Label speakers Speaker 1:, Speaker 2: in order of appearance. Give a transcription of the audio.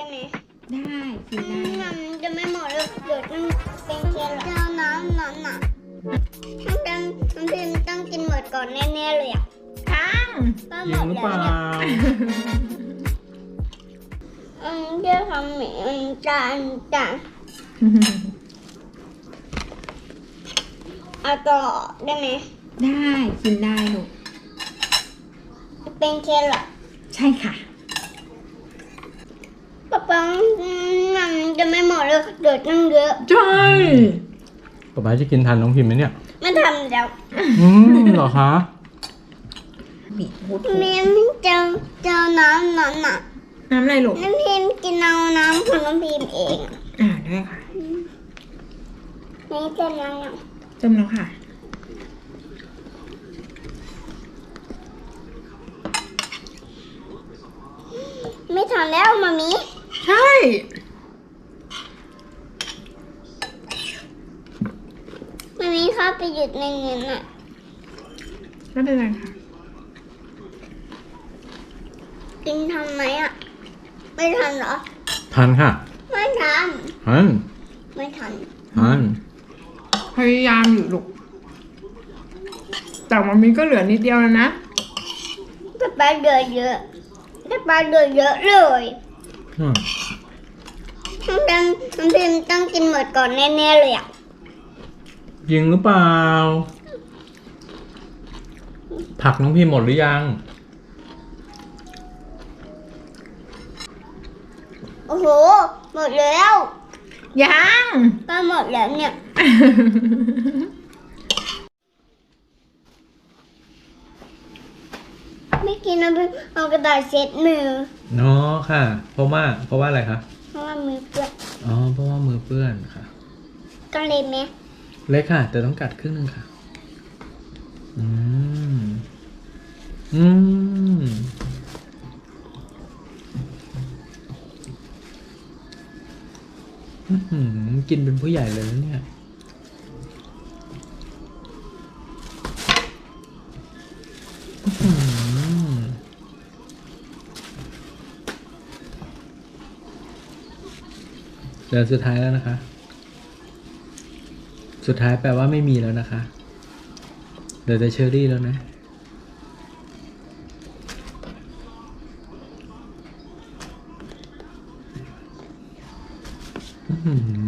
Speaker 1: ได้ไหม
Speaker 2: ได้กินได้
Speaker 1: มันจะไม่หมดเลยเดี๋ยวต้องเป็นแครอทเอาน้ำนั้นอ่ะถ้าเป็นน้ำพิมต้องกินหมดก่อนแน่ๆเลยอ่ะ
Speaker 2: ทั้ง
Speaker 1: ก็
Speaker 3: จ
Speaker 1: ห
Speaker 3: ริ
Speaker 1: ม
Speaker 3: ง
Speaker 1: ด
Speaker 3: หรือ
Speaker 1: แล้
Speaker 3: เป
Speaker 1: ว
Speaker 3: ล่า
Speaker 1: เนี่ยเดี๋ยวทำหมี่จานเอาต่อได้ไหม
Speaker 2: ได้กินได้ลูก
Speaker 1: เป็นแครอท
Speaker 2: ใช่ค่ะ
Speaker 1: ป๊ามันจะไม่หมดเลยเดี๋ยวต้องเยอะ
Speaker 2: ใช่
Speaker 3: ป๊าจะกินทันน้องพิมพ์ไหมเนี่ย
Speaker 1: ไม่ทำแล้ว
Speaker 3: เหรอคะ
Speaker 2: บีบพูด
Speaker 1: แม่ไม่เจอน้ำนั้นอ่ะ
Speaker 2: น้ำอะไรลูก
Speaker 1: น้ำพิมกินเอาน้ำของน้ำพิมเอง
Speaker 2: ได้ค่ะ
Speaker 1: นี่จะน้ำยัง
Speaker 2: เติมแล้วค่ะ
Speaker 1: ไม่ทันแล้วมามี
Speaker 2: ใช่
Speaker 1: มามีเข้าไปหยุดในเงินอ่ะ
Speaker 2: ไม่เป็นไรค่ะ
Speaker 1: กินทันไหมอ่ะ ไม่ทันเหรอ
Speaker 3: ทันค่ะ
Speaker 1: ไม่ทัน
Speaker 3: ทัน
Speaker 1: ไม่ทัน
Speaker 3: ทัน
Speaker 2: พยายามอยู่ลูก แต่มันมีก็เหลือนิดเดียวแล้วนะ
Speaker 1: จะไปเดือเยอะจะไปเดือเยอะเลย
Speaker 3: อืม
Speaker 1: น้ำพิมต้องกินหมดก่อนแน่ๆเลยอ่ะ
Speaker 3: จริงหรือเปล่า ผักน้องพิมพ์หมดหรือยัง
Speaker 1: โอ้โห หมดแล้ว
Speaker 2: ยัง
Speaker 1: ก็หมดแล้วเนี่ย ไม่กินน้ำพิมเอากระดาษเช็ดมือ
Speaker 3: เนาะค่ะ เพราะว่าอะไรคะ
Speaker 1: เพราะว่ามือเปื้อน
Speaker 3: อ๋อ เพราะว่ามือเปื้อนค่ะ
Speaker 1: ก็เลยไหม
Speaker 3: เล็กค่ะ แต่ต้องกัดครึ่งหนึงค่ะ อืม อืม อื้อหือกินเป็นผู้ใหญ่เลยนะเนี่ย อื้อหือเดือนสุดท้ายแล้วนะคะ สุดท้ายแปลว่าไม่มีแล้วนะคะเหลือแต่เชอรี่แล้วนะ อื้อหือ